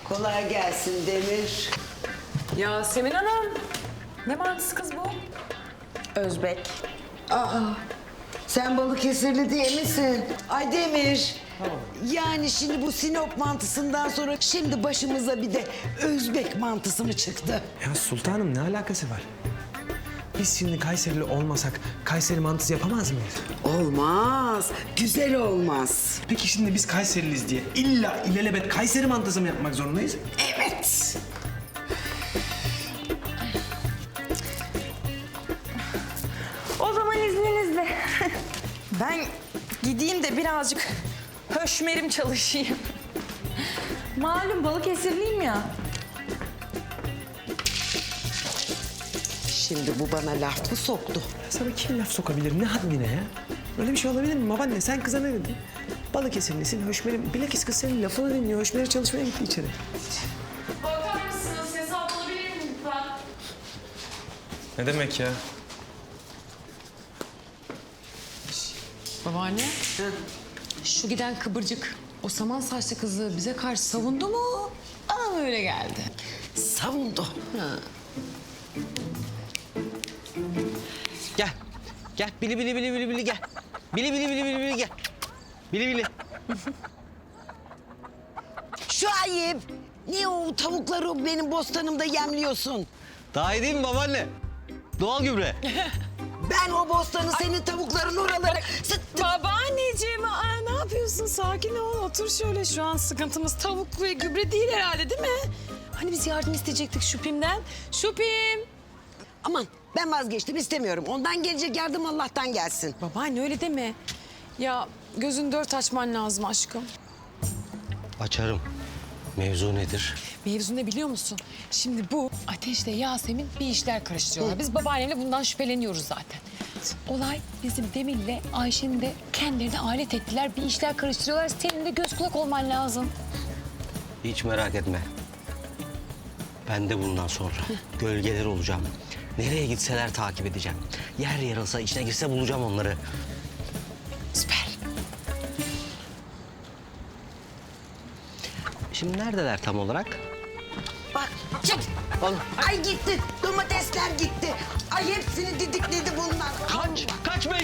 Kolay gelsin Demir. Yasemin Hanım. Ne mantısı kız bu? Özbek. Sen Balıkesirli değil misin? Ay Demir. Yani şimdi bu Sinop mantısından sonra şimdi başımıza bir de Özbek mantısı mı çıktı? Ya sultanım ne alakası var? Biz şimdi Kayserili olmasak Kayseri mantısı yapamaz mıyız? Olmaz. Güzel olmaz. Peki şimdi biz Kayseriliyiz diye illa ilelebet Kayseri mantısı mı yapmak zorundayız? Evet. O zaman izninizle. Ben gideyim de birazcık höşmerim çalışayım. Malum Balıkesirliyim ya. Şimdi bu bana laf mı soktu? Ya sana kim laf sokabilir? Ne haddine ya? Öyle bir şey olabilir mi babaanne? Sen kıza ne dedin? Balıkesirlisin, Höşmer'im. Bilakis kız senin lafını dinliyor. Höşmer'e çalışmaya gitti içeri. Bakar mısınız? Hesap alabilir miyim lütfen? Ne demek ya? Babaanne. Şu giden kıbırcık, o saman saçlı kızı bize karşı savundu mu? Bana mı öyle geldi? Savundu. Gel. Gel. Bili bili bili bili bili gel. Bili bili bili bili bili gel. Bili bili. Şu ayıp. Niye o tavukları benim bostanımda yemliyorsun? Daha iyi değil mi babaanne? Doğal gübre. Ben o bostanı senin tavukların oralara... Babaanneciğim, ne yapıyorsun? Sakin ol, otur şöyle. Şu an sıkıntımız tavuk ve gübre değil herhalde, değil mi? Hani biz yardım isteyecektik Şupim'den. Şupim! Aman ben vazgeçtim istemiyorum. Ondan gelecek yardım Allah'tan gelsin. Babaanne öyle deme. Ya gözün dört açman lazım aşkım. Açarım. Mevzu nedir? Mevzu ne biliyor musun? Şimdi bu Ateş'le Yasemin bir işler karıştırıyorlar. Biz babaannemle bundan şüpheleniyoruz zaten. Olay bizim Demir'le Ayşe'nin de kendilerini alet ettiler. Bir işler karıştırıyorlar. Senin de göz kulak olman lazım. Hiç merak etme. Ben de bundan sonra gölgeler olacağım. Nereye gitseler takip edeceğim. Yer yarılsa, içine girse bulacağım onları. Süper. Şimdi neredeler tam olarak? Bak çık. Ay gitti. Domatesler gitti. Ay hepsini didikledi bunlar. Kaç! Kaç be!